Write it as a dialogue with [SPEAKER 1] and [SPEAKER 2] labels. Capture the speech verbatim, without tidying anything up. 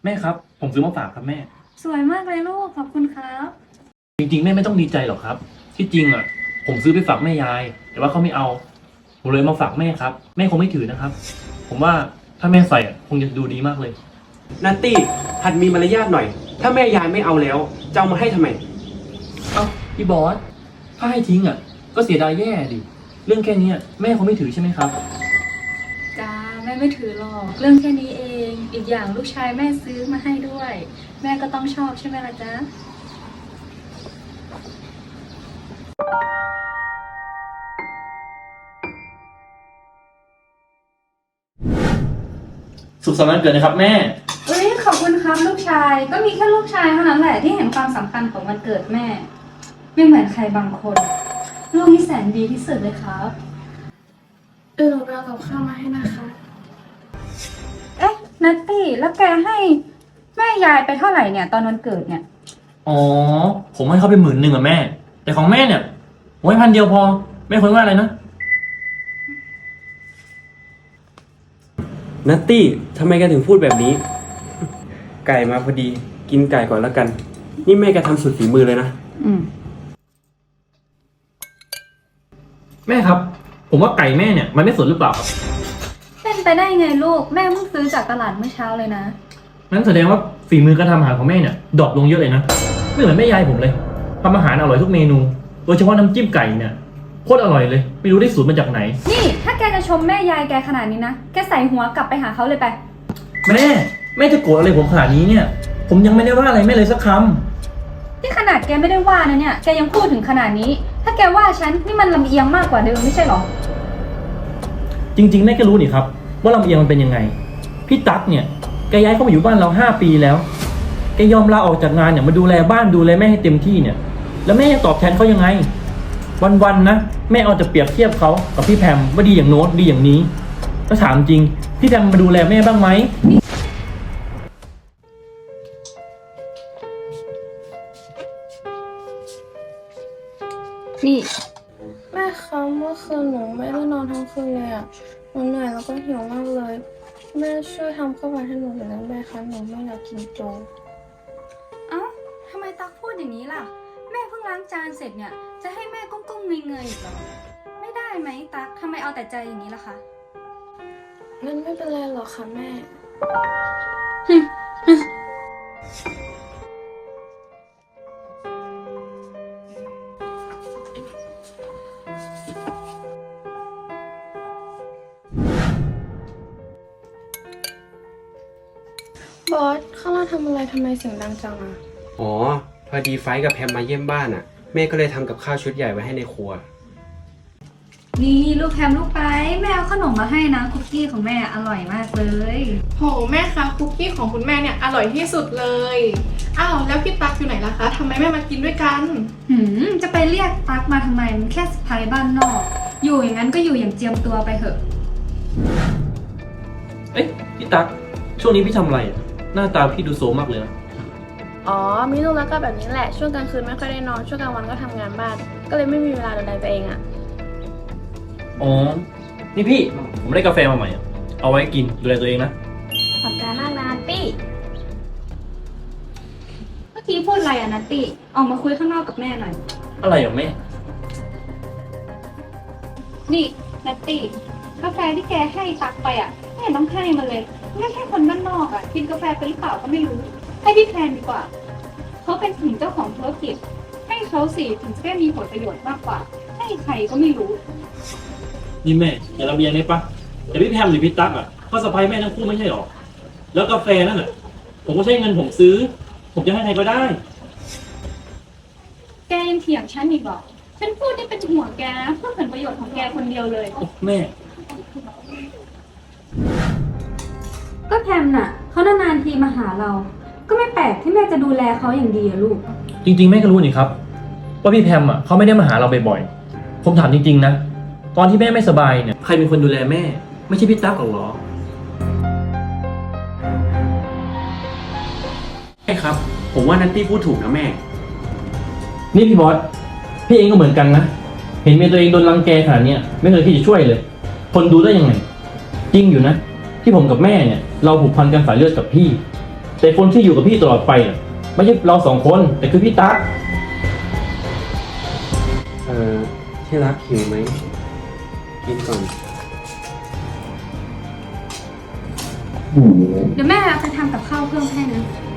[SPEAKER 1] แม่ครับผมซื้อมาฝากครับแม่
[SPEAKER 2] สวยมากเลยลูกขอบคุณครับ
[SPEAKER 1] จริงๆแม่ไม่ต้องดีใจหรอกครับที่จริงอ่ะผมซื้อไปฝากแม่ยายแต่ว่าเขาไม่เอาผมเลยมาฝากแม่ครับแม่คงไม่ถือนะครับผมว่าถ้าแม่ใส่อ่ะคงจะดูดีมากเลย
[SPEAKER 3] นัตตี้หัดมีมารยาทหน่อยถ้าแม่ยายไม่เอาแล้วจะเอามาให้ทำไม
[SPEAKER 1] เอ้าพี่บอสถ้าให้ทิ้งอ่ะก็เสียดายแย่ดิเรื่องแค่นี้แม่คงไม่ถือใช่ไหมครับ
[SPEAKER 2] จ้าแม่ไม่ถือหรอกเรื่องแค่นี้เองอีกอย่างลูกชายแม่ซื้อมาให้ด้วย แม่ก็ต้องชอบใช่ไหมล่ะจ๊ะ
[SPEAKER 1] สุขสันต์วันเกิดนะครับแม่
[SPEAKER 2] เอ้ยขอบคุณครับลูกชายก็มีแค่ลูกชายเท่านั้นแหละที่เห็นความสำคัญของวันเกิดแม่ไม่เหมือนใครบางคนลูกนี่แสนดีที่สุดเลยครับ
[SPEAKER 4] เออหนูไปเอากับข้าวมาให้นะคะ
[SPEAKER 2] เอ๊ะนัตตี้แล้วแกให้แม่ยายไปเท่าไหร่เนี่ยตอนวันเกิดเนี่ย
[SPEAKER 1] อ๋อผมให้เขาไปหมื่นหนึ่งอะแม่แต่ของแม่เนี่ยผมให้พันเดียวพอแม่ควรว่าอะไรนะ
[SPEAKER 3] นัตตี้ทำไมแกถึงพูดแบบนี้ ไก่มาพอดีกินไก่ก่อนแล้วกันนี่แม่แกทำสุดฝีมือเลยนะ
[SPEAKER 2] อืม
[SPEAKER 1] แม่ครับผมว่าไก่แม่เนี่ยมันไม่สดหรือเปล่าครับ
[SPEAKER 2] เป็นไปได้ไงลูกแม่เพิ่งซื้อจากตลาดเมื่อเช้าเลยนะ
[SPEAKER 1] นั้นแสดงว่าฝีมือการทำอาหารของแม่เนี่ยดรอปลงเยอะเลยนะไม่เหมือนแม่ยายผมเลยทำอาหารอร่อยทุกเมนูโดยเฉพาะน้ำจิ้มไก่เนี่ยโคตรอร่อยเลยไม่รู้ได้สูตรมาจากไหน
[SPEAKER 2] นี่ถ้าแกจะชมแม่ยายแกขนาดนี้นะแกใส่หัวกลับไปหาเขาเลยไป
[SPEAKER 1] แม่แม่จะโกรธอะไรผมขนาดนี้เนี่ยผมยังไม่ได้ว่าอะไรแม่เลยสักค
[SPEAKER 2] ำที่ขนาดแกไม่ได้ว่านะเนี่ยแกยังพูดถึงขนาดนี้ถ้าแกว่าฉันนี่มันลำเอียงมากกว่าเดิมไม่ใช่หรอ
[SPEAKER 1] จริงๆแม่ก็รู้นี่ครับว่าลำเอียงมันเป็นยังไงพี่ตั๊กเนี่ยแกย้ายเข้ามาอยู่บ้านเราห้าปีแล้วแกยอมลาออกจากงานเนี่ยมาดูแลบ้านดูแลแม่ให้เต็มที่เนี่ยแล้วแม่จะตอบแทนเขายังไงวันๆนะแม่เอาจะเปรียบเทียบเขากับพี่แพมว่าดีอย่างโน้ตดีอย่างนี้ถ้าถามจริงพี่แพมมาดูแลแม่บ้างไหม
[SPEAKER 2] นี่
[SPEAKER 4] แม่คะเมื่อคืนหนูไม่ได้นอนทั้งคืนเลยอ่ะหนูเหนื่อยแล้วก็หิวมากเลยแม่ช่วยทำข้าวผัดให้หนูหน่อยได้ไหมคะหนูไม่อยากกินโจ๊ก
[SPEAKER 2] เอ้าทำไมตั๊กพูดอย่างนี้ล่ะแม่เพิ่งล้างจานเสร็จเนี่ยจะให้แม่ก้มๆเงยๆอีกเหรอไม่ได้ไหมตั๊กทำไมเอาแต่ใจอย่างนี้ล่ะคะ
[SPEAKER 4] งั้นไม่เป็นไรหรอกค่ะแม่บอสข้างล่างทำอะไรทำไมเสียงดังจังอ่ะ
[SPEAKER 3] อ๋อพอดีไฟกับแพมมาเยี่ยมบ้านอ่ะแม่ก็เลยทำกับข้าวชุดใหญ่ไว้ให้ในครัว
[SPEAKER 2] นี่ลูกแพมลูกไปแม่เอาขนมมาให้นะคุกกี้ของแม่อร่อยมากเลย
[SPEAKER 5] โหแม่คะคุกกี้ของคุณแม่เนี่ยอร่อยที่สุดเลยอ้าวแล้วพี่ตั๊กอยู่ไหนล่ะคะทำไมแม่มากินด้วยกัน
[SPEAKER 2] หืมจะไปเรียกตั๊กมาทำไมมันแค่สะพายบ้านนอกอยู่อย่างนั้นก็อยู่อย่างเจียมตัวไปเถอะ
[SPEAKER 1] เอ๊ะพี่ตั๊กช่วงนี้พี่ทำอะไรอ่ะหน้าตาพี่ดูโซมมากเลยนะ
[SPEAKER 4] อ๋อมีลูกแล้วก็แบบนี้แหละช่วงกลางคืนไม่ค่อยได้นอนช่วงกลางวันก็ทำงานบ้านก็เลยไม่มีเวลาดูแลตัวเองอ่ะ
[SPEAKER 1] อ๋อนี่พี่ผมได้กาแฟมาใหม่อ่ะเอาไว้กินดูแลตัวเองนะ
[SPEAKER 4] ขอบใจมากนะนัตตี้
[SPEAKER 2] เมื่อกี้พูดอะไรอะนัตตี้ออกมาคุยข้างนอกกับแม่หน่อย
[SPEAKER 1] อะไรอ่ะแม่
[SPEAKER 2] นี่นัตตี้กาแฟที่แกให้ตักไปอ่ะแม่ต้องให้มันเลยไม่ใช่คนบ้านนอกอ่ะกินกาแฟไปหรือเปล่าก็ไม่รู้ให้พี่แพนดีกว่าเขาเป็นถึงเจ้าของธุรกิจให้เขาสิถึงจะได้มีผลประโยชน์มากกว่าให้ใครก็ไม่รู้
[SPEAKER 1] นี่แม่อย่าลำเอียงได้ปะแต่พี่แพมหรือพี่ตั๊กอ่ะก็สะใภ้แม่ทั้งคู่ไม่ใช่หรอแล้วกาแฟนั่นอ่ะผมก็ใช้เงินผมซื้อผมจะให้ใครก็ได้
[SPEAKER 2] แกยังเถียงฉันอีกเหรอฉันพูดนี่เป็นห่วงแกนะเพื่อผลประโยชน์ของแกคนเดียวเลย
[SPEAKER 1] แม่
[SPEAKER 2] ก็แพมน่ะเขานานๆทีมาหาเราก็ไม่แปลกที่แม่จะดูแลเขาอย่างดีอะลูก
[SPEAKER 1] จริงๆแม่ก็รู้นี่ครับว่าพี่แพมอ่ะเขาไม่ได้มาหาเราบ่อยๆผมถามจริงๆนะตอนที่แม่ไม่สบายเนี่ยใครเป็นคนดูแลแม่ไม่ใช่พี่ตั๊กหรอ
[SPEAKER 3] ใช่ครับผมว่านัตตี้พูดถูกนะแม่
[SPEAKER 1] นี่พี่บอสพี่เองก็เหมือนกันนะเห็นเมียตัวเองโดนรังแกขนาดนี้ไม่เคยที่จะช่วยเลยทนดูได้ยังไงจริงอยู่นะที่ผมกับแม่เนี่ยเราผูกพันกันสายเลือดกับพี่แต่คนที่อยู่กับพี่ตลอดไปน่ะไม่ใช่เราสองคนแต่คือพี่ตั๊ก
[SPEAKER 3] เออที่รักหิวไหม กินก่อน
[SPEAKER 2] เดี๋ยวแม่ไปทำกับข้าวเพิ่มให้นะ